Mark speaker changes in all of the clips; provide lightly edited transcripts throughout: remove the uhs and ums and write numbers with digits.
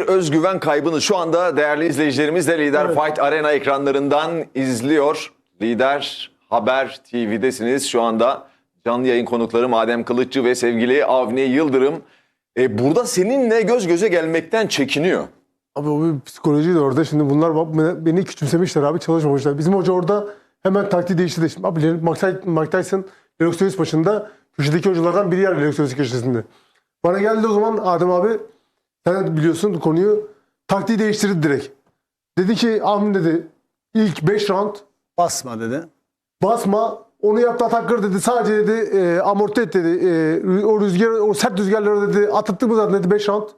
Speaker 1: özgüven kaybını şu anda değerli izleyicilerimiz de Lider Fight Arena ekranlarından izliyor. Lider Haber TV'desiniz şu anda. Canlı yayın konukları Adem Kılıççı ve sevgili Avni Yıldırım. Burada seninle göz göze gelmekten çekiniyor.
Speaker 2: Abi o bir psikolojiydi orada. Şimdi bunlar beni küçümsemişler abi, çalışmamışlar. Bizim hoca orada hemen taktiği değiştirdi. Şimdi abi Mike Tyson Lennox Lewis maçında köşedeki hocalardan biri yer Lennox Lewis köşesinde. Bana geldi o zaman Adem abi, sen biliyorsun konuyu, taktiği değiştirdi direkt. Dedi ki Ahmet dedi ilk 5 round
Speaker 3: basma dedi.
Speaker 2: Basma, onu yaptı atakları dedi. Sadece dedi amorti et dedi. O rüzgar, o sert rüzgarları dedi attık mı zaten dedi 5 round.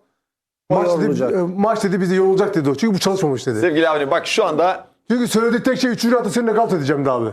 Speaker 2: Maç dedi bizi yorulacak dedi o. Çünkü bu çalışmamış dedi.
Speaker 1: Sevgili Avni bak şu anda...
Speaker 2: Çünkü söylediği tek şey 3. roundda seni nakavt edeceğim de abi.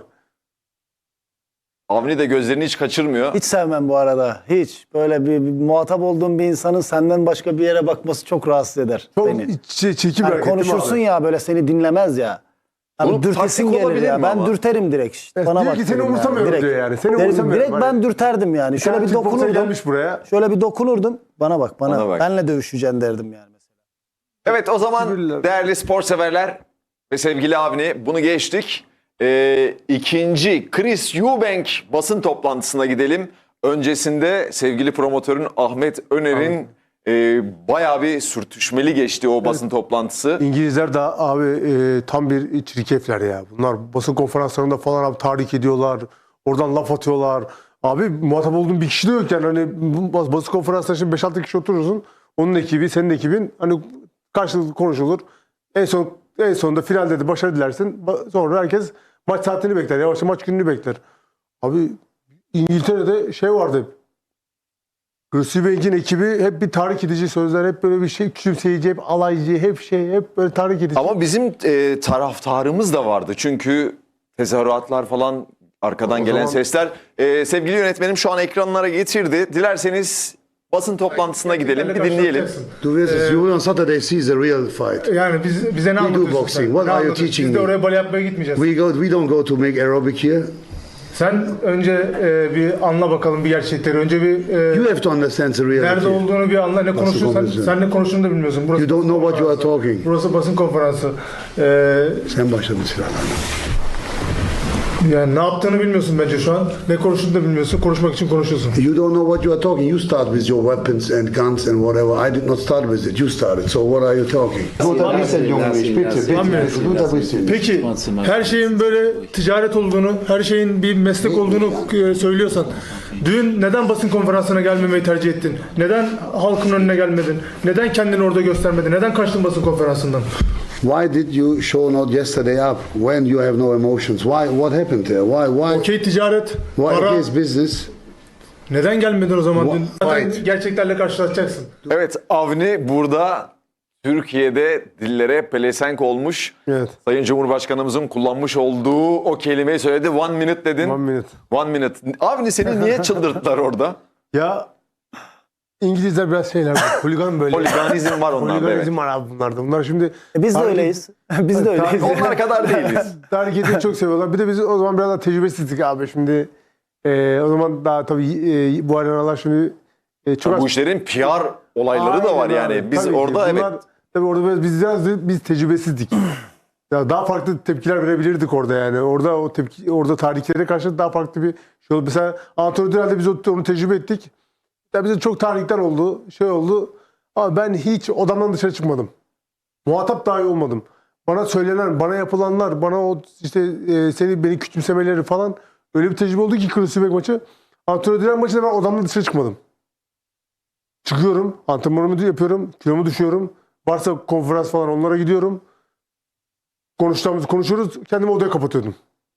Speaker 1: Avni de gözlerini hiç kaçırmıyor.
Speaker 3: Hiç sevmem bu arada. Hiç. Böyle bir muhatap olduğum bir insanın senden başka bir yere bakması çok rahatsız eder
Speaker 2: Çok
Speaker 3: beni.
Speaker 2: çirkin bir hareket
Speaker 3: konuşursun
Speaker 2: abi.
Speaker 3: ya böyle seni dinlemez ya. Abi dürtesin gelir ya. Ben dürterim direkt. İşte. Bana
Speaker 2: diyor
Speaker 3: bak.
Speaker 2: ki seni umursamıyorum
Speaker 3: yani.
Speaker 2: diyor yani. Seni umursamıyorum.
Speaker 3: Direkt ben dürterdim yani. Şöyle bir dokunurdum.
Speaker 2: Gelmiş buraya.
Speaker 3: Şöyle bir dokunurdum. Bana bak.
Speaker 1: Bana.
Speaker 3: Benle dövüşeceksin derdim yani mesela.
Speaker 1: Evet o zaman değerli spor severler ve sevgili Avni bunu geçtik. İkinci Chris Eubank basın toplantısına gidelim. Öncesinde sevgili promotörün Ahmet Öner'in bayağı bir sürtüşmeli geçti o basın toplantısı.
Speaker 2: İngilizler de abi tam bir çirkefler ya. Bunlar basın konferanslarında falan abi tahrik ediyorlar. Oradan laf atıyorlar. Abi muhatap olduğun bir kişi de yok yani. Hani basın konferanslarında şimdi 5-6 kişi oturursun. Onun ekibi, senin ekibin hani karşılıklı konuşulur. En sonunda finalde de başarı dilersin. Sonra herkes maç saatini bekler. Yavaşça maç gününü bekler. Abi İngiltere'de şey vardı hep. Chris Eubank'in ekibi hep bir tahrik edici sözler, hep böyle bir şey küçümseyici, hep alaycı, hep böyle tahrik edici.
Speaker 1: Ama bizim taraftarımız da vardı. Çünkü tezahüratlar falan, arkadan gelen sesler. Sevgili yönetmenim şu an ekranlara getirdi. Dilerseniz basın toplantısına gidelim, bir dinleyelim.
Speaker 4: You will on Saturday see the real fight.
Speaker 5: Yani bize ne anlatıyorsun
Speaker 4: boxing.
Speaker 5: sen?
Speaker 4: What
Speaker 5: Ne
Speaker 4: are you
Speaker 5: anlatıyorsun?
Speaker 4: teaching
Speaker 5: Biz de
Speaker 4: me?
Speaker 5: oraya bale yapmaya gitmeyeceğiz.
Speaker 4: We don't go to make aerobic here.
Speaker 5: Sen önce bir anla bakalım bir gerçekleri. Önce bir
Speaker 4: You have to understand the
Speaker 5: nerede
Speaker 4: reality.
Speaker 5: olduğunu bir anla. Ne konuşuyorsan
Speaker 4: konuşuyorsun?
Speaker 5: sen ne konuştuğunu da bilmiyorsun. Burası
Speaker 4: You don't
Speaker 5: basın
Speaker 4: know what you are
Speaker 5: konferansı.
Speaker 4: talking.
Speaker 5: Burası basın konferansı.
Speaker 4: Sen başladın silahlarla.
Speaker 5: Yani ne yaptığını bilmiyorsun bence şu an. Ne konuştuğunu da bilmiyorsun. Konuşmak için konuşuyorsun.
Speaker 4: You don't know what you are talking. You start with your weapons and guns and whatever. I did not start with it. You started. So what are you talking?
Speaker 5: Peki her şeyin böyle ticaret olduğunu, her şeyin bir meslek olduğunu söylüyorsan dün neden basın konferansına gelmemeyi tercih ettin? Neden halkın önüne gelmedin? Neden kendini orada göstermedin? Neden kaçtın basın konferansından?
Speaker 4: Why did you show not yesterday up when you have no emotions? What happened there? Why?
Speaker 5: Okey ticaret,
Speaker 4: Why
Speaker 5: para.
Speaker 4: it is business?
Speaker 5: Neden gelmedin o zaman dün? Zaten
Speaker 4: Right.
Speaker 5: gerçeklerle karşılaşacaksın.
Speaker 1: Evet Avni burada Türkiye'de dillere pelesenk olmuş.
Speaker 2: Evet.
Speaker 1: Sayın Cumhurbaşkanımızın kullanmış olduğu o kelimeyi söyledi. 1 minute dedin.
Speaker 2: 1 minute.
Speaker 1: 1 minute. Avni seni niye çıldırttılar orada?
Speaker 2: Ya İngilizler biraz şeyler, holigan böyle.
Speaker 1: Holiganizm var onlarda.
Speaker 2: Holiganizm
Speaker 1: Evet.
Speaker 2: var abi bunlarda. Bunlar şimdi...
Speaker 3: Biz de öyleyiz. Biz de öyleyiz.
Speaker 1: Onlar kadar değiliz.
Speaker 2: Tahrik etmeyi çok seviyorlar. Bir de biz o zaman biraz daha tecrübesizdik abi. Şimdi o zaman daha tabii bu arenalar şimdi çok
Speaker 1: Bu işlerin PR olayları da var
Speaker 2: Aynen
Speaker 1: yani.
Speaker 2: abi.
Speaker 1: Biz
Speaker 2: Tabii ki.
Speaker 1: orada
Speaker 2: Bunlar,
Speaker 1: evet.
Speaker 2: Tabii orada biz tecrübesizdik. Ya daha farklı tepkiler verebilirdik orada yani. Orada tahriklere karşı daha farklı bir şey oldu. Mesela Antonio Dural'de biz onu tecrübe ettik. Ya bize çok tahrikler oldu, şey oldu. Ama ben hiç odamdan dışarı çıkmadım. Muhatap dahi olmadım. Bana söylenen, bana yapılanlar, bana o işte beni küçümsemeleri falan öyle bir tecrübe oldu ki Chris Eubank maçı. Antonio Dural maçında ben odamdan dışarı çıkmadım. Çıkıyorum, antrenmanımı yapıyorum, kilomu düşüyorum. Varsa konferans falan onlara gidiyorum. Konuştuğumuz konuşuyoruz, kendimi odaya kapatıyordum.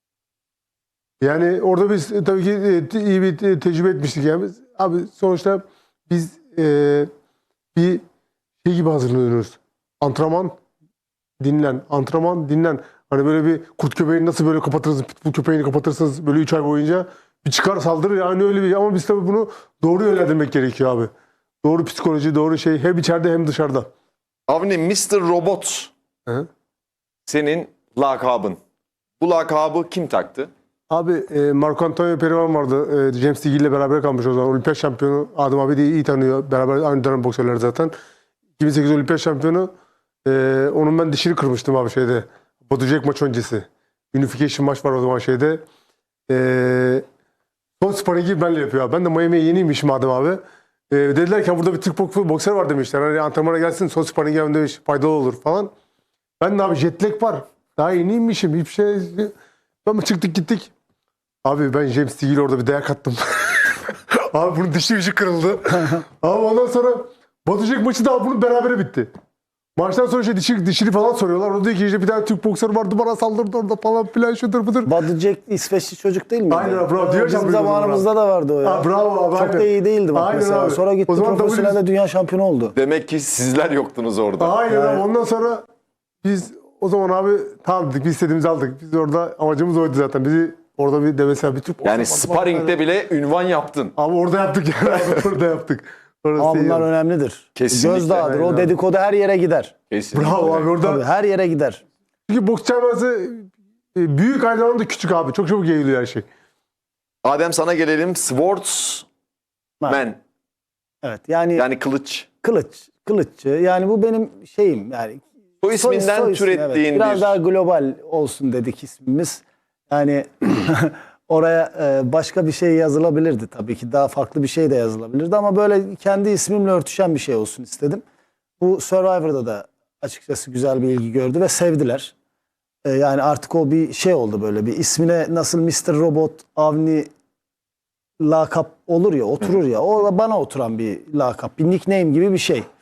Speaker 2: Yani orada biz tabii ki iyi bir tecrübe etmiştik yani. Abi sonuçta biz bir şey gibi hazırlanıyoruz. Antrenman, dinlen. Antrenman, dinlen. Hani böyle bir kurt köpeğini nasıl böyle kapatırız, pitbull köpeğini kapatırsınız böyle 3 ay boyunca bir çıkar saldırır yani öyle bir. Ama biz tabii bunu doğru yönlendirmek gerekiyor abi. Doğru psikoloji, doğru şey hem içeride hem dışarıda.
Speaker 1: Avni Mr. Robot
Speaker 2: Hı?
Speaker 1: senin lakabın. Bu lakabı kim taktı?
Speaker 2: Abi Marco Antonio Perivan vardı. James Tiggy ile beraber kalmış o zaman. Olimpiyat şampiyonu Adem abi de iyi tanıyor. Beraber aynı dönem boksörler zaten. 2008 Olimpiyat şampiyonu. Onun ben dişini kırmıştım abi şeyde. Batu Jack maç öncesi. Unification maç var o zaman şeyde. Son sparringi benle yapıyor abi. Ben de Miami'ye yeniymişim madem abi. Dediler ki burada bir Türk boksör var demişler. Hani antrenmana gelsin son sparringi yapın demiş. Faydalı olur falan. Ben de abi jet lag var. Daha yeniymişim. Hiçbir şey. Ben çıktık gittik. Abi ben James Steele'e orada bir dayak attım. Abi bunun dişi kırıldı. Abi ondan sonra Batu Jack maçı da bunun berabere bitti. Maçtan sonra dişini falan soruyorlar. O diyor ki işte bir tane Türk boksör vardı bana saldırdı orada falan filan şudur budur.
Speaker 3: Badu Jack İsveçli çocuk değil miydi?
Speaker 2: Aynen bravo. Diyor
Speaker 3: Bizim zamanımızda da vardı o ya.
Speaker 2: Bravo abi.
Speaker 3: Çok da iyi değildi bak
Speaker 2: Aynen
Speaker 3: mesela.
Speaker 2: abi.
Speaker 3: Sonra gitti
Speaker 2: O zaman
Speaker 3: profesyonelde dünya şampiyonu oldu.
Speaker 1: Demek ki sizler yoktunuz orada.
Speaker 2: Aynen abi. Ondan sonra biz o zaman abi tamam dedik biz istediğimizi aldık. Biz orada amacımız oydu zaten. Bizi orada bir de mesela bir Türk
Speaker 1: Yani
Speaker 2: boksör vardı.
Speaker 1: sparringde bile ünvan yaptın.
Speaker 2: Abi orada yaptık yani. Abi, orada yaptık. Orası
Speaker 3: Ama
Speaker 2: iyi
Speaker 3: bunlar
Speaker 2: yani.
Speaker 3: önemlidir.
Speaker 1: Kesinlikle.
Speaker 3: Gözdağıdır.
Speaker 2: Aynen
Speaker 3: O
Speaker 2: abi.
Speaker 3: dedikodu her yere gider.
Speaker 1: Kesinlikle.
Speaker 2: Bravo abi orada.
Speaker 3: Tabii, her yere gider.
Speaker 2: Çünkü boks camiası büyük aynı zamanda küçük abi. Çok çabuk yayılıyor her şey.
Speaker 1: Adem sana gelelim. Swordsman.
Speaker 3: Evet yani,
Speaker 1: Yani kılıç.
Speaker 3: kılıççı. Yani bu benim şeyim yani.
Speaker 1: Bu isminden
Speaker 3: Soy ismi,
Speaker 1: türettiğin
Speaker 3: evet. Biraz
Speaker 1: bir...
Speaker 3: daha global olsun dedik ismimiz. Yani oraya başka bir şey yazılabilirdi tabii ki. Daha farklı bir şey de yazılabilirdi ama böyle kendi ismimle örtüşen bir şey olsun istedim. Bu Survivor'da da açıkçası güzel bir ilgi gördü ve sevdiler. Yani artık o bir şey oldu böyle bir ismine nasıl Mr. Robot, Avni lakap olur ya, oturur ya. O da bana oturan bir lakap, bir nickname gibi bir şey.